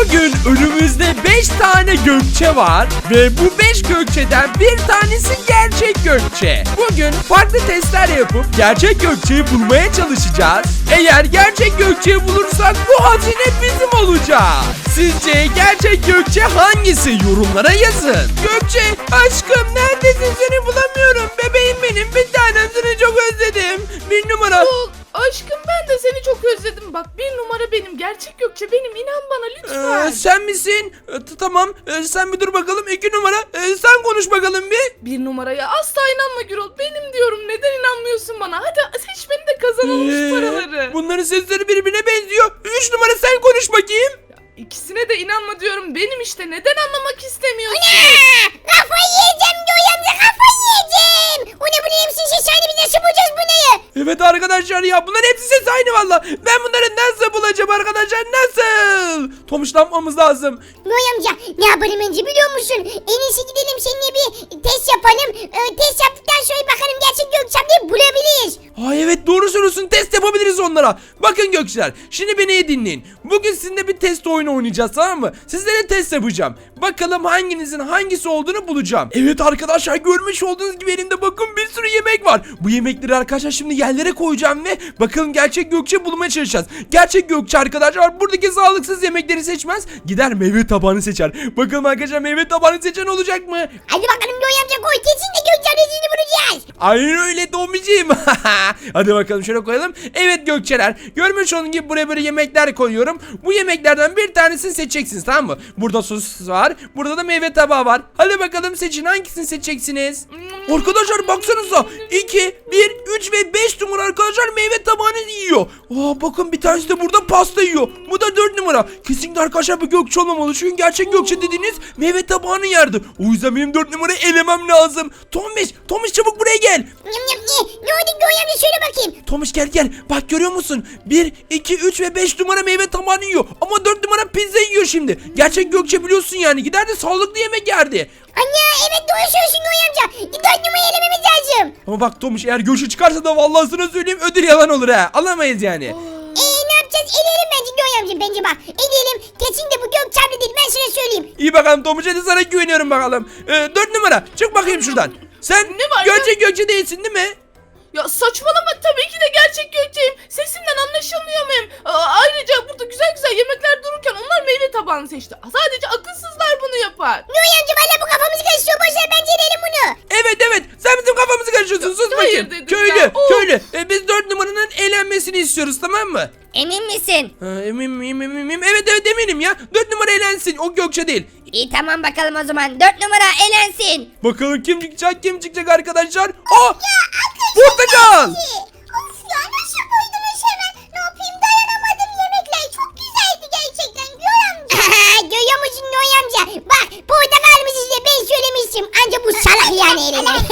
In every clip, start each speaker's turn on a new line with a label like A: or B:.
A: Bugün önümüzde 5 tane Gökçe var ve bu 5 Gökçe'den bir tanesi gerçek Gökçe. Bugün farklı testler yapıp gerçek Gökçe'yi bulmaya çalışacağız. Eğer gerçek Gökçe'yi bulursak bu hazine bizim olacak. Sizce gerçek Gökçe hangisi? Yorumlara yazın. Gökçe aşkım neredesin, seni bulamıyorum. Bebeğim benim, bir tanem, seni çok özledim. Bir numara.
B: Aşkım ben de seni çok özledim. Bak bir numara benim. Gerçek Gökçe benim. İnan bana lütfen.
A: Sen misin? Tamam. Sen bir dur bakalım. 2 numara. Sen konuş bakalım bir.
B: Bir numaraya asla inanma Gürol. Benim diyorum. Neden inanmıyorsun bana? Hadi seç beni de kazanalım şu paraları.
A: Bunların sesleri birbirine benziyor. 3 numara sen konuş bakayım.
B: İkisine de inanma diyorum. Benim işte. Neden anlamak istemiyorsun?
C: Kafayı yiyeceğim Göğe amca, kafayı yiyeceğim. O ne, bu ne hepsinin sesi aynı, biz nasıl bulacağız bu neyi?
A: Evet arkadaşlar ya, bunların hepsi ses aynı valla. Ben bunları nasıl bulacağım arkadaşlar, nasıl? Tomuş, ne yapmamız lazım?
C: Göğe amca ne yapalım önce biliyor musun? En iyisi gidelim seninle bir test yapalım. Test yaptıktan sonra bakalım gerçek Gökçe ablayı bulabiliriz.
A: Ay evet, doğru söylüyorsun, test yapabiliriz onlara. Bakın Gökçeler, şimdi beni iyi dinleyin. Bugün sizinle bir test oyunu oynayacağız, tamam mı? Sizlere test yapacağım. Bakalım hanginizin hangisi olduğunu bulacağım. Evet arkadaşlar, görmüş olduğunuz gibi elimde bakın bir sürü yemek var. Bu yemekleri arkadaşlar şimdi yerlere koyacağım ve bakalım gerçek Gökçe bulmaya çalışacağız. Gerçek Gökçe arkadaşlar buradaki sağlıksız yemekleri seçmez, gider meyve tabağını seçer. Bakalım arkadaşlar, meyve tabağını seçen olacak mı?
C: Hadi bakalım Göğe amca, koy kesin de Gökçe ablasını bulacağız.
A: Aynen öyle Tomiciğim. Hadi bakalım şöyle koyalım. Evet Gökçeler, görmüş olduğunuz gibi buraya böyle yemekler koyuyorum. Bu yemeklerden bir tanesini seçeceksiniz, tamam mı? Burada sos var, burada da meyve tabağı var. Hadi bakalım seçin, hangisini seçeceksiniz? Arkadaşlar baksanıza, 2, 1, 3 ve 5 numara arkadaşlar meyve tabağını yiyor. Bakın bir tanesi de burada pasta yiyor. Bu da 4 numara. Kesinlikle arkadaşlar bu Gökçe olmamalı. Çünkü gerçek Gökçe dediğiniz meyve tabağını yerdi. O yüzden benim 4 numarayı elemem lazım. Tomiş çabuk buraya gel.
C: Ne oldu Göğe amca, söyle bakayım.
A: Tomiş gel. Bak görüyor musun? 1, 2, 3 ve 5 numara meyve tabağını yiyor. Ama 4 numara pizza yiyor şimdi. Gerçek Gökçe biliyorsun yani. Giderdi sağlıklı yemek yerdi.
C: Anne evet, doğru söylüyorsun Göğe amca. 4 numarayı elememiz lazım.
A: Ama bak Tomiş, eğer Gökçe çıkarsa da vallahi sana söyleyeyim, ödül yalan olur ha. Alamayız yani.
C: Ne yapacağız? Eleyelim bence Göğe amca, bence bak. Eleyelim. Kesin de bu Gökçe abla değil, ben sana söyleyeyim.
A: İyi bakalım Tomiş, hadi sana güveniyorum bakalım. 4 numara çık bakayım şuradan. Sen
B: Ne var
A: gerçek Gökçe değilsin değil mi?
B: Ya saçmalama, tabii ki de gerçek Gökçe'yim. Sesimden anlaşılmıyor muyum? Ayrıca burada güzel güzel yemekler dururken onlar meyve tabağını seçti. Sadece akılsızlar bunu yapar.
C: Göğe amca valla bu kafamızı karıştırıyor. Boşver, bence eleyelim bunu.
A: Evet sen bizim kafamızı karıştırıyorsun, sus
B: hayır
A: bakayım.
B: dedim
A: Köylü
B: ya, of.
A: köylü. Biz 4 numaranın eğlenmesini istiyoruz, tamam mı?
C: Emin misin?
A: Eminim. Evet eminim ya. 4 numara eğlensin, o Gökçe değil.
C: İyi tamam bakalım o zaman. 4 numara elensin.
A: Bakalım kim çıkacak arkadaşlar. Portakal.
C: Of ya, nasıl koydunuz hemen? Ne yapayım, dayanamadım, yemekler çok güzeldi gerçekten Göğe amca. Görüyor musun Göğe amca? Bak portakalımızı size ben söylemiştim. Anca bu salak yani eline.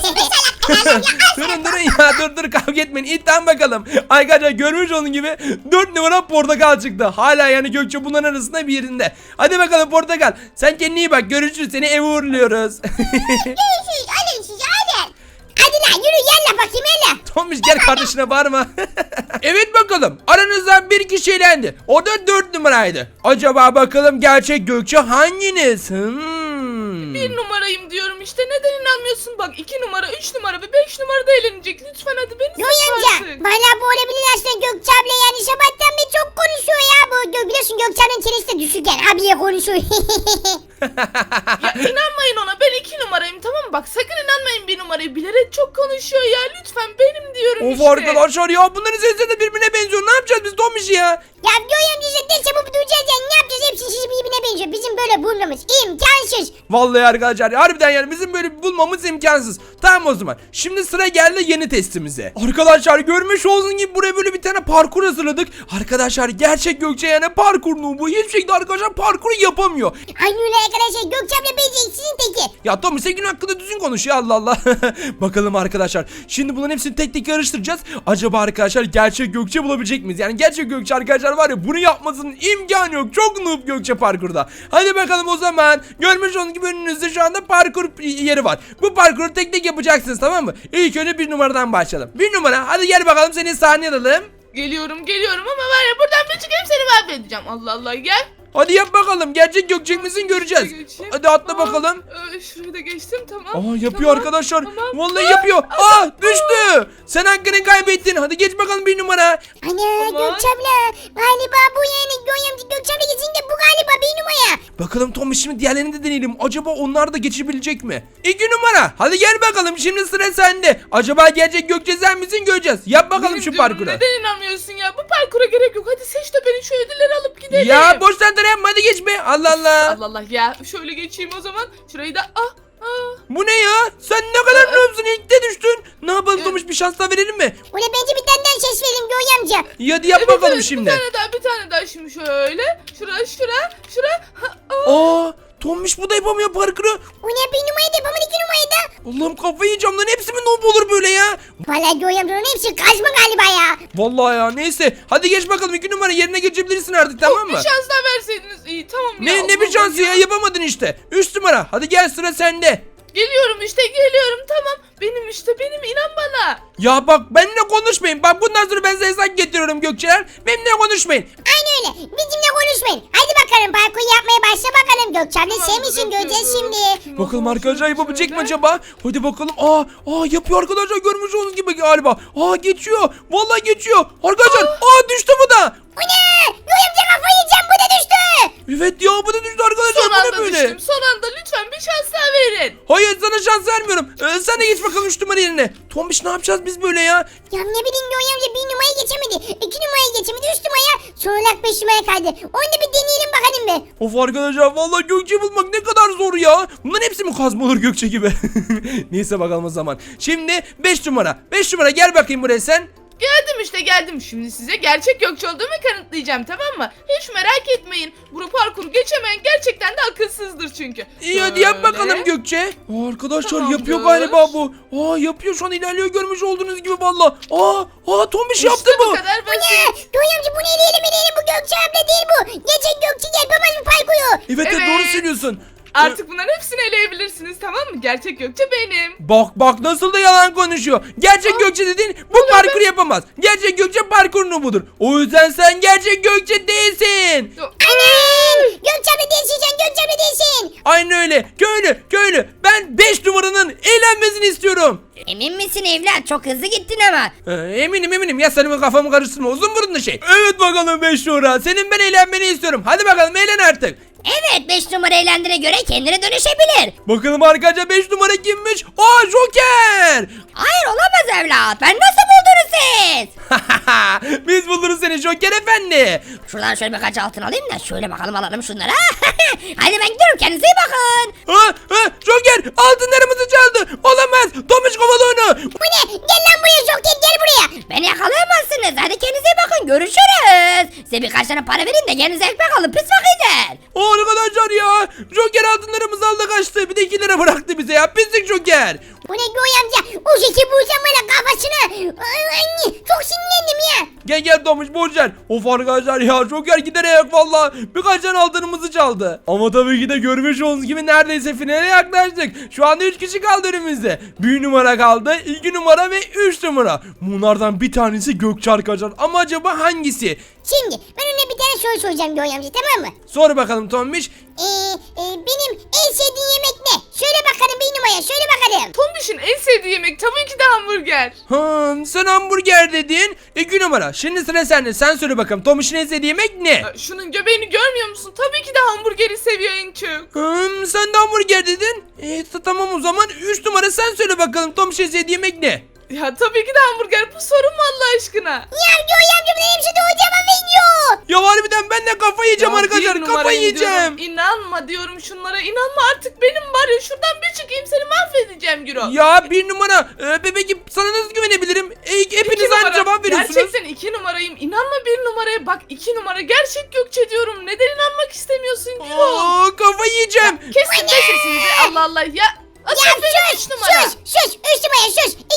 A: Durun ya, dur kavga etmeyin. İyi tamam bakalım. Arkadaşlar görmüş olduğunuz gibi 4 numara portakal çıktı. Hala yani Gökçe bunların arasında bir yerinde. Hadi bakalım portakal. Sen kendine iyi bak, görüşürüz, seni eve uğurluyoruz.
C: Görüşürüz, alın size alın. Hadi lan yürü, yalla bakayım yalla.
A: Tomiş gel, kardeşine bağırma. Evet bakalım, aranızdan bir kişi elendi. O da 4 numaraydı. Acaba bakalım gerçek Gökçe hanginiz?
B: Bir numarayım diyorum işte. Neden inanmıyorsun? Bak 2 numara, 3 numara ve 5 numara da eğlenecek. Lütfen hadi beni
C: Göğe
B: seç
C: amca
B: artık.
C: valla bu olabilir aslında. Gökçe abla yani sabahtan beri çok konuşuyor ya bu. Biliyorsun Gökçe ablanın çenesi de düşük yani, abiye konuşuyor.
B: Ya inanmayın ona, ben 2 numarayım, tamam mı? Bak sakın inanmayın bir numarayı, bilerek çok konuşuyor ya. Lütfen benim diyorum
A: Of
B: işte.
A: arkadaşlar ya, bunların sesleri de birbirine benziyor. Ne yapacağız biz Tomiş ya?
C: Ya Göğe amca işte ne çabuk duracağız yani, ne yapacağız, hepsi sizi birbirine benziyor. Bizim böyle bulmamız imkansız.
A: Vallahi arkadaşlar harbiden yani bizim böyle bulmamız imkansız. Tamam o zaman. Şimdi sıra geldi yeni testimize. Arkadaşlar görmüş olduğunuz gibi buraya böyle bir tane parkur hazırladık. Arkadaşlar gerçek Gökçe yani parkur bu. Hiçbir şekilde arkadaşlar parkuru yapamıyor.
C: Aynı öyle arkadaşlar, Gökçe abla beceriksizin teki.
A: Ya Tommy sen gün hakkında düzgün konuş ya, Allah Allah. Bakalım arkadaşlar. Şimdi bunların hepsini tek tek karıştıracağız. Acaba arkadaşlar gerçek Gökçe bulabilecek miyiz? Yani gerçek Gökçe arkadaşlar var ya, bunu yapmasının imkanı yok. Çok noob Gökçe parkurda. Hadi bakalım o zaman. Görmüş olduğunuz gibi önünüzde şu anda parkur yeri var. Bu parkuru tek tek yapacaksınız, tamam mı? İlk önce 1 numaradan başlayalım. 1 numara, hadi gel bakalım, seni sahneye alalım.
B: Geliyorum ama var ya, buradan bir çıkayım seni mahvedeceğim. Allah Allah, gel.
A: Hadi yap bakalım. Gerçek Gökçe misin göreceğiz.
B: Geçeyim.
A: Hadi atla bakalım.
B: Şurayı da geçtim, tamam.
A: Aa yapıyor
B: Tamam,
A: arkadaşlar.
B: tamam.
A: Vallahi yapıyor. Düştü. Sen hakkını kaybettin. Hadi geç bakalım bir numara.
C: Ana
B: Aman.
C: Gökçe abla. Galiba bu yani Gökçe abla geçince bu galiba bir numara.
A: Bakalım Tom şimdi diğerlerini de deneyelim. Acaba onlar da geçebilecek mi? 2 numara. Hadi gel bakalım. Şimdi sıra sende. Acaba gerçek Gökçe sen misin göreceğiz. Yap bakalım
B: Benim
A: şu
B: diyorum,
A: parkuru.
B: neden inanmıyorsun ya? Bu parkura gerek yok. Hadi seç de beni şu ödülleri alıp gidelim.
A: Ya boş tantana yapma hadi geç be. Allah Allah.
B: Allah Allah ya. Şöyle geçeyim o zaman. Şurayı da
A: Bu ne ya? Sen ne kadar noobsun ilk de düştün. Ne yapalım Tomuş bir şans daha verelim mi?
C: Ona bence bir tane daha ses verelim Göğe amca.
A: İyi hadi yap bakalım şimdi.
B: Bir tane daha şimdi şöyle. Şura.
A: Tombiş bu da yapamıyor parkuru.
C: O ne bir numarayı da yapamadı 2 numarayı da.
A: Allah'ım kafayı yiyeceğim lan hepsi mi noob olur böyle ya?
C: Valla Göğe amcanın hepsi kaçma galiba ya.
A: Vallahi ya neyse. Hadi geç bakalım 2 numara yerine geçebilirsin artık tamam
B: Bir
A: mı?
B: şans daha verseydiniz iyi, tamam ya.
A: Ne bir şansı ya yapamadın işte. 3 numara hadi gel sıra sende.
B: Geliyorum tamam. Benim inan bana.
A: Ya bak benimle konuşmayın. Bak bundan sonra ben size hesap getiriyorum Gökçeler. Benimle konuşmayın.
C: Aynı öyle. Bizimle konuşmayın. Hadi bakalım parkur yapmaya başla bakalım. Gökçe abla
B: Tamam,
C: sen misin göreceğiz şimdi.
A: Bakalım arkadaşlar yapabilecek mi acaba? Hadi bakalım. Yapıyor arkadaşlar görmüş olduğunuz gibi galiba. Geçiyor. Vallahi geçiyor. Arkadaşlar düştü bu da.
C: O ne? Göğe amca kafayı yiyeceğim bu da düştü.
A: Evet ya bu da düştü arkadaşlar.
B: Son
A: Bu ne
B: anda
A: böyle?
B: düştüm. Son anda lütfen bir şans daha verin.
A: Hayır sana şans vermiyorum. Sen de geç bakalım 3 numara yerine. Tombiş ne yapacağız biz böyle ya?
C: Ya ne bileyim Göğe amca 1 numarayı geçemedi. 2 numarayı geçemedi. 3 numaraya sonra 5 numaraya kaydı. Onu da bir deneyelim bakalım be.
A: Of arkadaşlar vallahi Gökçe bulmak ne kadar zor ya. Bunların hepsi mi kazma olur Gökçe gibi? Neyse bakalım o zaman. Şimdi 5 numara. 5 numara gel bakayım buraya sen.
B: Geldim. Şimdi size gerçek Gökçe olduğumu kanıtlayacağım, tamam mı? Hiç merak etmeyin. Bu parkuru geçemeyen gerçekten de akılsızdır çünkü.
A: İyi hadi yap
B: Şöyle.
A: bakalım Gökçe. Arkadaşlar
B: Tamamdır.
A: yapıyor galiba bu. Yapıyor şu an ilerliyor görmüş olduğunuz gibi valla. Tombiş yaptı
B: İşte
A: bu.
B: bu kadar
C: Ne?
B: basit.
C: Göğe amca bunu eleyelim bu Gökçe abla değil bu. Gerçek Gökçe yapamaz bu parkuru.
A: Evet
B: Evet.
A: doğru söylüyorsun.
B: Artık bunların hepsini eleyebilirsiniz, tamam mı? Gerçek Gökçe benim.
A: Bak nasıl da yalan konuşuyor. Gerçek Gökçe dediğin bu parkuru yapamaz. Gerçek Gökçe parkurunu budur. O yüzden sen gerçek Gökçe değilsin.
C: Aynen. Gökçe abla değilsin sen Gökçe abla değilsin.
A: Aynen öyle. Köylü. Ben 5 numaranın eğlenmesini istiyorum.
D: Emin misin evlat? Çok hızlı gittin ama.
A: Eminim. Ya senin kafamı karıştırma. Uzun burunlu şey. Evet bakalım 5 numara. Senin ben eğlenmeni istiyorum. Hadi bakalım eğlen artık.
D: Evet 5 numara eğlendiğine göre kendine dönüşebilir.
A: Bakalım arkadaşlar 5 numara kimmiş? Joker.
D: Hayır olamaz evlat. Ben nasıl buldunuz siz?
A: Biz buluruz seni Joker efendi.
D: Şuradan şöyle birkaç altın alayım da şöyle bakalım alalım şunları. Hadi ben gidiyorum kendinize iyi bakın.
A: Joker altınlarımızı çaldı. Olamaz. Tomuş kovalı onu.
C: Bu ne? Gel lan buraya Joker gel buraya.
D: Beni yakalayamazsınız. Hadi kendinize iyi bakın. Görüşürüz. Size birkaç tane para vereyim de kendinize ekmek alın pis fakirler.
A: Arkadaşlar ya. Joker altınlarımızı aldı kaçtı. Bir de 2 lira bıraktı bize ya. Pislik Joker.
C: Bu ne Göğe amca? O şeki bulsam böyle kafasına. Ay, çok sinirlendim ya.
A: Gel Tomuş borçlar. Of arkadaşlar ya Joker giderek valla birkaç tane altınımızı çaldı. Ama tabii ki de görmüş olduğunuz gibi neredeyse finale yaklaştık. Şu anda 3 kişi kaldı önümüzde. 1 numara kaldı, 2 numara ve 3 numara. Bunlardan bir tanesi Gökçe arkadaşlar. Ama acaba hangisi?
C: Şimdi ben ona bir tane soru soracağım Göğe amca tamam mı?
A: Sor bakalım Tombiş.
C: Benim en sevdiğim yemek ne? Söyle bakalım 1 numara söyle bakalım.
B: Tombiş'in en sevdiği yemek tabii ki de hamburger.
A: Sen hamburger dedin. 2 numara. Şimdi sıra sende. Sen söyle bakalım. Tombiş'in en sevdiği yemek ne?
B: Şunun göbeğini görmüyor musun? Tabii ki de hamburgeri seviyor en çok.
A: Sen de hamburger dedin. Tamam o zaman 3 numara sen söyle bakalım. Tombiş'in en sevdiği yemek ne?
B: Ya tabii ki de hamburger. Bu sorun mu Allah aşkına?
C: Ya Göğe amca bunların hepsi doğru cevap veriyor.
A: Ya harbiden ben de kafayı yiyeceğim
B: Ya
A: arkadaşlar.
B: bir
A: Kafayı
B: numarayım
A: yiyeceğim.
B: diyorum. İnanma diyorum şunlara. İnanma artık benim var ya. Şuradan bir çıkayım seni mahvedeceğim Gürol.
A: Ya 1 numara. Bebeğim sana nasıl güvenebilirim? Hepiniz
B: İki
A: aynı
B: numara.
A: cevap veriyorsunuz.
B: Gerçekten 2 numarayım. İnanma 1 numaraya. Bak 2 numara gerçek Gökçe diyorum. Neden inanmak istemiyorsun Gürol?
A: Kafayı yiyeceğim.
B: Kesin de sesinizi. Allah Allah ya.
C: Ya sus sus 3 numara sus. 2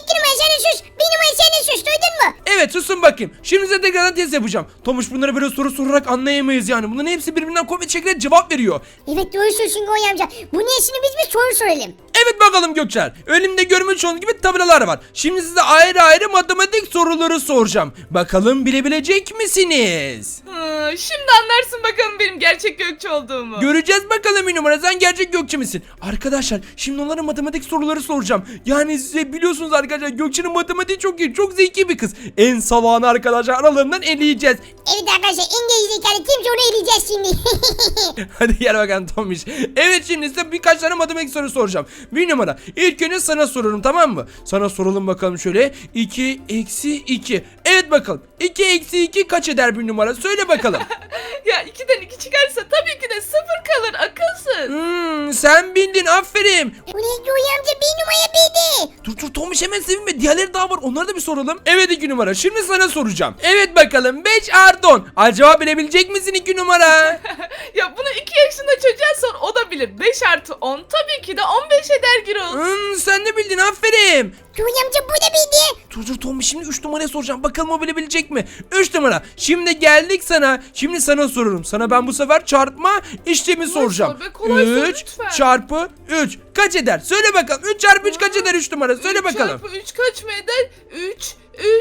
C: İki numara sen de sus. Bir numara sen de sus. Duydun mu?
A: Evet susun bakayım. Şimdi size tekrardan test yapacağım. Tomuş bunları böyle soru sorarak anlayamayız yani. Bunların hepsi birbirinden kopya şekilde cevap veriyor.
C: Evet doğru söylüyorsun Göğe amca. Bu niyesini biz bir soru soralım.
A: Evet bakalım Gökçer. Önümde görmüş olduğunuz gibi tabelalar var. Şimdi size ayrı ayrı matematik soruları soracağım. Bakalım bilebilecek misiniz?
B: Şimdi anlarsın bakalım benim gerçek Gökçe olduğumu.
A: Göreceğiz bakalım bir numara, sen gerçek Gökçe misin? Arkadaşlar şimdi onlara matematik soruları soracağım. Yani size biliyorsunuz arkadaşlar Gökçe'nin matematiği çok iyi. Çok zeki bir kız. En salağını arkadaşlar aralarından eleyeceğiz.
C: Evet arkadaşlar İngiliz zekalı kimse onu eleyeceğiz şimdi.
A: Hadi gel bakalım Tomiş. Evet şimdi size birkaç tane matematik soru soracağım. Bir numara. İlk önce sana soruyorum, tamam mı? Sana soralım bakalım şöyle. 2 eksi 2. Evet bakalım. 2 eksi 2 kaç eder bir numara? Söyle bakalım.
B: Ya 2'den 2 çıkarsa tabii ki de 0 kalır akılsız.
A: Sen bildin, aferin.
C: Bu ne Göğe amca bir numara bildi.
A: Dur Tomiş hemen sevinme. Diğerleri daha var. Onları da bir soralım. Evet 2 numara. Şimdi sana soracağım. Evet bakalım 5 artı 10. Acaba bilebilecek misin 2 numara?
B: Ya bunu 2 yaşında çocuğa sor o da bilir. 5 artı 10 tabii ki de 15 eder Gürol.
A: Sen de bildin, aferin.
C: Göğe amca bu da bildi.
A: Dur Tomiş şimdi 3 numaraya soracağım. Bakalım o bilebilecek mi? 3 numara. Şimdi geldik sana. Şimdi sana soruyorum. Sana ben bu sefer çarpma işlemi soracağım.
B: sor be, kolay sor
A: 3
B: lütfen.
A: çarpı 3 kaç eder? Söyle bakalım. 3 çarpı 3 kaç eder 3 numara? Söyle
B: 3
A: bakalım.
B: çarpı 3 kaç mı eder? 3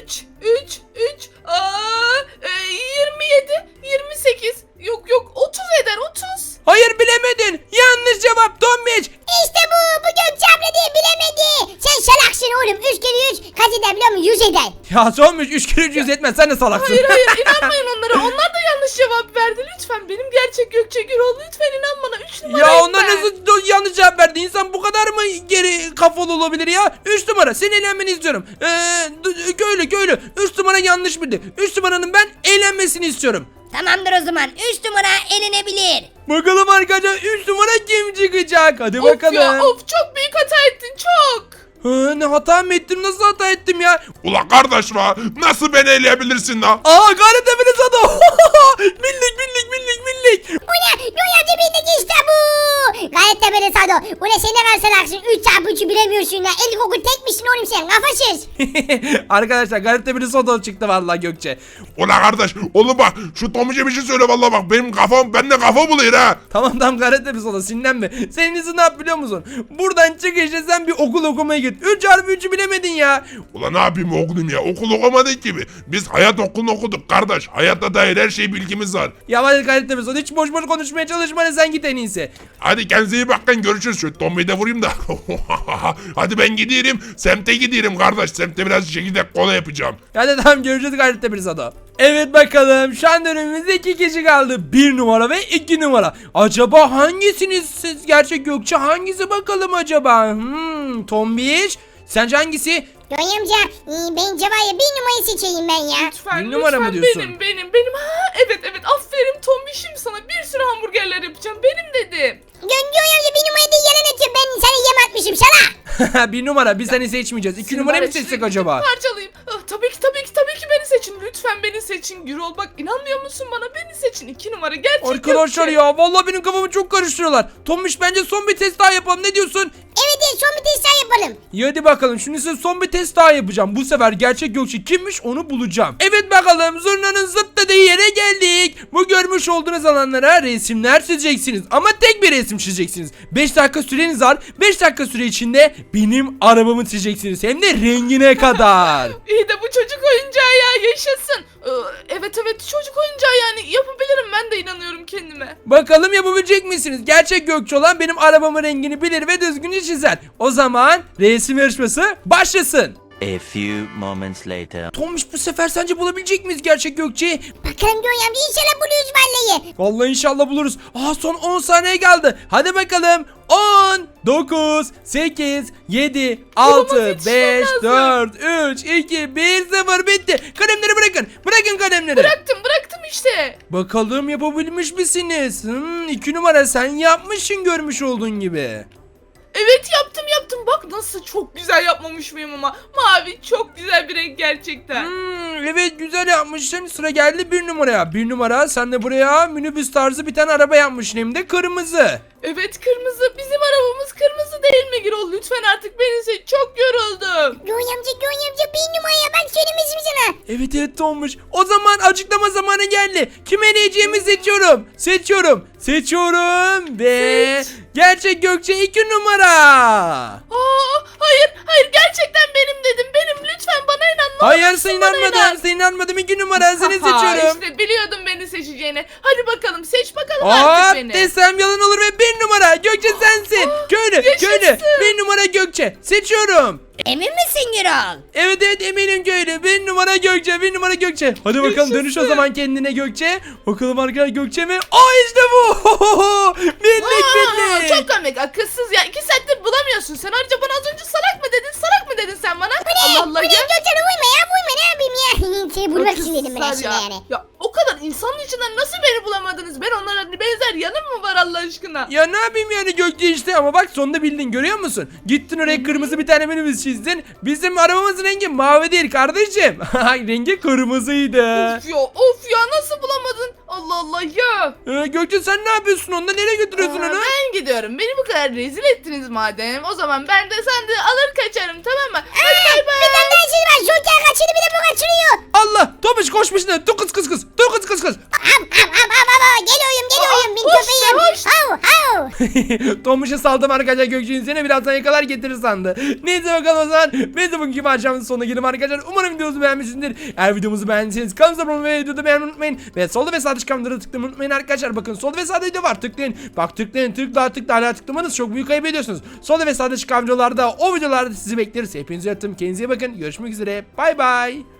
B: 27 28 yok 30 eder 30.
A: Hayır bilemedin. Yanlış cevap Tomiş.
C: İşte bu. Bu Gökçe abla diye bilemedi. Sen salaksın oğlum. 3 kere 3 kaç eder biliyor musun? 100 eder.
A: Ya Tomiş 3 kere 300 etmez. Sen de salaksın.
B: Hayır inanmayın onlara. Onlar da yanlış cevap verdi. Lütfen benim gerçek Gökçe Gürol. Lütfen inan bana. 3 numarayım
A: Ya onlar
B: ben.
A: nasıl yanlış cevap verdi? İnsan bu kadar mı geri kafalı olabilir ya? 3 numara. Senin eğlenmeni istiyorum. Köylü. 3 numara yanlış bildi. 3 numaranın ben eğlenmesini istiyorum.
D: Tamamdır o zaman 3 numara elenebilir.
A: Bakalım arkadaşlar 3 numara kim çıkacak? Hadi bakalım.
B: Ya çok büyük hata ettin çok.
A: Ne hata mı ettim? Nasıl hata ettim ya?
E: Ula kardeş la nasıl beni eleyebilirsin la?
A: Gayret Efendi Sado. Millik.
C: Bu ne? Göğe amca bildi işte bu. Gayet de beni Sado. Bu ne sen ne kadar salaksın. 3 çarpı 3'ü bilemiyorsun ya. İlkokul tek misin oğlum sen? Kafasız.
A: Arkadaşlar Gayret Efendi Sado çıktı vallahi Gökçe.
E: Ula kardeş oğlum bak şu Tomuç'a bir şey söyle vallahi bak benim kafam bende kafa buluyor ha.
A: Tamam Gayret Efendi Sado sinirlenme. Senin izin ne yap biliyor musun? Buradan çıkışta sen bir okul okumaya git. 3 çarpı 3'ü bilemedin ya.
E: Ula ne yapayım oğlum ya okul okumadık gibi. Biz hayat okulunu okuduk kardeş. Hayatta dair her şey bilgimiz var.
A: Ya hadi Gayret Efendi Sado hiç boş konuşmaya çalışma, sen git en iyisi.
E: Hadi kendinize iyi bakın görüşürüz. Şu Tomu'yu da vurayım da. Hadi ben gidiyorum. Semte gidiyorum kardeş. Semte biraz çekirdek kola yapacağım.
A: Hadi tamam görüşürüz Gayret Efendi Sado. Evet bakalım şu an önümüzde 2 kişi kaldı. 1 numara ve 2 numara. Acaba hangisiniz siz gerçek Gökçe? Hangisi bakalım acaba? Tombiş. Sence hangisi?
C: Göğe amca bence var ya 1 numarayı seçeyim ben ya.
B: Lütfen
A: Bir numara mı
B: lütfen
A: diyorsun?
B: benim. Ha evet aferin Tombiş'im sana bir sürü hamburgerler yapacağım. Benim dedim.
C: Göğe amca 1 numarayı da yalan atıyor. Ben sana yem atmışım sana.
A: 1 numara, biz seni seçmeyeceğiz. 2 numarayı mı seçsek acaba?
B: Parçalayayım. Tabii ki beni seçin. Lütfen beni seçin. Gürol bak inanmıyor musun bana? Beni seçin. 2 numara gerçek
A: Arkadaşlar
B: Gökçe.
A: ya vallahi benim kafamı çok karıştırıyorlar. Tombiş bence son bir test daha yapalım, ne diyorsun?
C: Evet son bir test daha yapalım.
A: İyi hadi bakalım şimdi size son bir test daha yapacağım. Bu sefer gerçek Gökçe kimmiş onu bulacağım. Evet bakalım zurnanın zıt dediği yere geldik. Bu görmüş olduğunuz alanlara resimler çizeceksiniz. Ama tek bir resim çizeceksiniz. 5 dakika süreniz var. 5 dakika süre içinde benim arabamı çizeceksiniz. Hem de rengine kadar.
B: İyi de bu çocuk oyuncağı ya yaşasın. Evet çocuk oyuncağı yani yapabilirim ben de inanıyorum kendime.
A: Bakalım yapabilecek misiniz? Gerçek Gökçe olan benim arabamın rengini bilir ve düzgünce çizer. O zaman resim yarışması başlasın.
F: A few moments later.
A: Tombiş bu sefer sence bulabilecek miyiz gerçek Gökçe'yi?
C: Bakalım Göğe amca inşallah buluyoruz vallahi.
A: Vallahi inşallah buluruz. Son 10 saniye kaldı. Hadi bakalım. 10, 9, 8, 7, 6,
B: yetişmem
A: 5,
B: lazım.
A: 4, 3, 2, 1, 0 bitti. Kalemleri bırakın. Bırakın kalemleri.
B: Bıraktım işte.
A: Bakalım yapabilmiş misiniz? 2 numara sen yapmışsın görmüş olduğun gibi.
B: Evet yaptım. Bak nasıl çok güzel yapmamış mıyım ama. Mavi çok güzel bir renk gerçekten.
A: Evet güzel yapmışsın. Sıra geldi 1 numaraya. 1 numara sen de buraya minibüs tarzı bir tane araba yapmışsın hem de kırmızı.
B: Evet kırmızı. Bizim arabamız kırmızı değil mi Gürol? Lütfen artık beni seç. Çok yoruldum.
C: Göğe amca bir numaraya ben söylemişim sana.
A: Evet Tombiş. O zaman açıklama zamanı geldi. Kime eleyeceğimi seçiyorum ve gerçek Gökçe 2 numara.
B: Hayır gerçekten benim dedim. Benim lütfen bana inan. Ne
A: Hayır
B: olursun
A: sen
B: bana inan.
A: inanmadım 2 numara seni seçiyorum.
B: İşte biliyordum beni seçeceğini. Hadi bakalım seç bakalım artık beni.
A: Desem yalan olur ve 1 numara Gökçe sensin. Köylü
B: yaşasın.
A: 1 numara Gökçe seçiyorum.
D: Emin misin Gürol?
A: Evet eminim köylü 1 numara Gökçe 1 numara Gökçe. Hadi bakalım dönüş o zaman kendine Gökçe. Bakalım arkadaşlar Gökçe mi? İşte bu. Bindik.
B: Çok komik akılsız ya. 2 saattir bulamıyorsun sen. Ayrıca bana az önce salak mı dedin sen bana? Allah Allah
C: Bu ne
B: ya.
C: Gökçen'e vurma ne yapayım ya. Seni bulmak için dedim ben
B: Akılsızlar
C: aslında yani.
B: Ya o kadar insanın içinden nasıl beni bulamadınız? Ben onlara benzer yanım mı var Allah aşkına?
A: Ya ne yapayım yani Gökçe işte ama bak sonunda bildin görüyor musun? Gittin oraya kırmızı bir tane minibüs çizdin. Bizim arabamızın rengi mavi değil kardeşim. Rengi kırmızıydı.
B: Of ya nasıl bulamadın? Allah Allah ya.
A: Gökçe sen ne yapıyorsun onunla nereye götürüyorsun onu?
B: Ben gidiyorum. Beni bu kadar rezil ettiniz madem. O zaman ben de sandığı alır kaçarım tamam mı? Hadi bay bay.
C: Bir tane daha şey var. Joker kaçırdı bir de bu kaçırıyor.
A: Allah Tomuş koşmuş ne? Dur kız.
C: Geliyorum. Bin
B: Hoş
C: köpeğim.
B: be, hoş.
C: Hav.
A: Tomuş'a saldım arkadaşlar Gökçe'nin seni birazdan yakalar getirir sandı. Neyse bakalım o zaman. Biz de bugünkü maçımızın sonuna gelelim arkadaşlar. Umarım videomuzu beğenmişsinizdir. Eğer videomuzu beğendiyseniz kanalımıza abone olmayı ve videoda beğenmeyi unutmayın. Ve solda ve sağda çıkan videoları tıklamayı unutmayın arkadaşlar. Bakın solda ve sağda video var. Tıklayın. Bak tıklayın. Tıkla hala tıklamanız çok büyük ayıp ediyorsunuz. Solda ve sağda çıkan videolarda o videolarda sizi bekleriz. Hepinizi öptüm. Kendinize iyi bakın. Görüşmek üzere. Bay bay.